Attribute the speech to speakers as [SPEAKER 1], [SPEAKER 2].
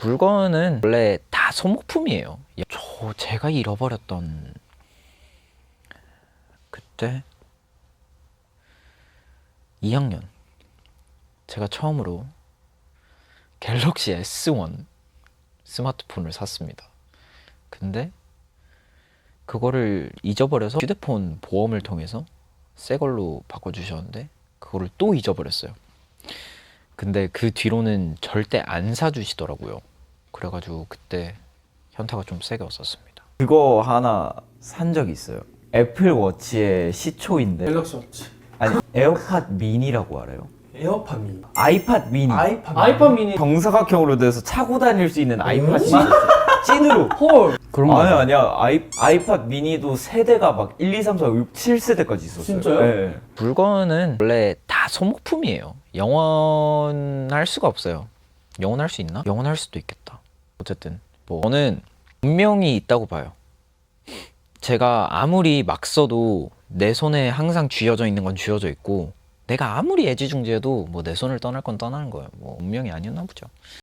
[SPEAKER 1] 물건은 원래 다 소모품이에요. 제가 잃어버렸던 그때 2학년 제가 처음으로 갤럭시 S1 스마트폰을 샀습니다. 근데 그거를 잊어버려서 휴대폰 보험을 통해서 새 걸로 바꿔주셨는데 그거를 또 잊어버렸어요. 근데 그 뒤로는 절대 안 사주시더라고요. 그래가지고 그때 현타가 좀 세게 왔었습니다.
[SPEAKER 2] 그거 하나 산 적이 있어요. 애플워치의 시초인데,
[SPEAKER 3] 갤럭시 워치,
[SPEAKER 2] 아니 에어팟 미니라고 알아요?
[SPEAKER 3] 에어팟 미니,
[SPEAKER 2] 아이팟 미니.
[SPEAKER 3] 아이팟 미니.
[SPEAKER 2] 정사각형으로 돼서 차고 다닐 수 있는 아이팟이 찐으로.
[SPEAKER 3] 헐.
[SPEAKER 1] 그런 거
[SPEAKER 2] 아니야. 아이팟 미니도 세대가 막 1, 2, 3, 4, 5, 6, 7세대까지 있었어요.
[SPEAKER 3] 진짜요?
[SPEAKER 2] 네.
[SPEAKER 1] 물건은 원래 다 소모품이에요. 영원할 수가 없어요. 영원할 수 있나? 영원할 수도 있겠다. 어쨌든 저는 운명이 있다고 봐요. 제가 아무리 막 써도 내 손에 항상 쥐어져 있는 건 쥐어져 있고, 내가 아무리 애지중지해도 뭐 내 손을 떠날 건 떠나는 거예요. 뭐 운명이 아니었나 보죠.